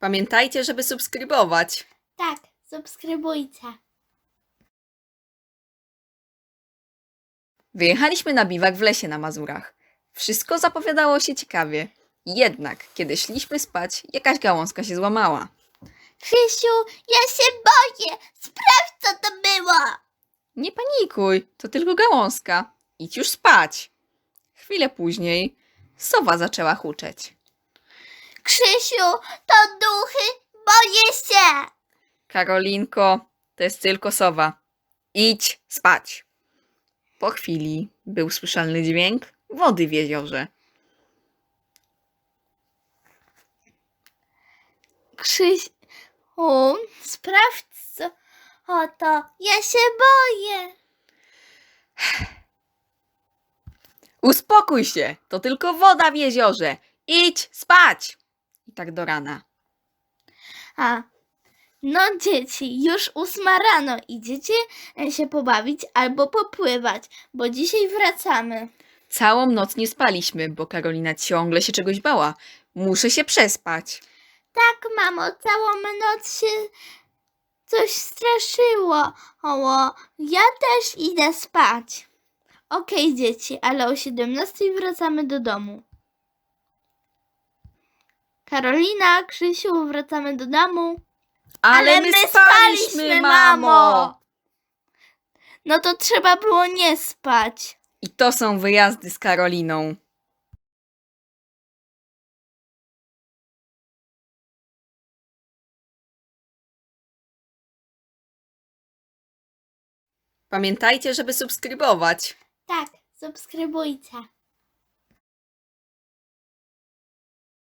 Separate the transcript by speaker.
Speaker 1: Pamiętajcie, żeby subskrybować.
Speaker 2: Tak, subskrybujcie.
Speaker 1: Wyjechaliśmy na biwak w lesie na Mazurach. Wszystko zapowiadało się ciekawie. Jednak, kiedy szliśmy spać, jakaś gałązka się złamała.
Speaker 2: Krzysiu, ja się boję. Sprawdź, co to było.
Speaker 1: Nie panikuj, to tylko gałązka. Idź już spać. Chwilę później sowa zaczęła huczeć.
Speaker 2: Krzysiu, to duchy. Boję się.
Speaker 1: Karolinko, to jest tylko sowa. Idź spać. Po chwili był słyszalny dźwięk wody w jeziorze.
Speaker 2: Krzysiu, sprawdź, co to. Ja się boję.
Speaker 1: Uspokój się, to tylko woda w jeziorze. Idź spać. I tak do rana.
Speaker 2: No dzieci, już 8 rano. Idziecie się pobawić albo popływać, bo dzisiaj wracamy.
Speaker 1: Całą noc nie spaliśmy, bo Karolina ciągle się czegoś bała. Muszę się przespać.
Speaker 2: Tak, mamo, całą noc się coś straszyło. Ja też idę spać. Okej, dzieci, ale o 17 wracamy do domu. Karolina, Krzysiu, wracamy do domu.
Speaker 1: Ale my spaliśmy, mamo!
Speaker 2: No to trzeba było nie spać.
Speaker 1: I to są wyjazdy z Karoliną. Pamiętajcie, żeby subskrybować.
Speaker 2: Tak, subskrybujcie.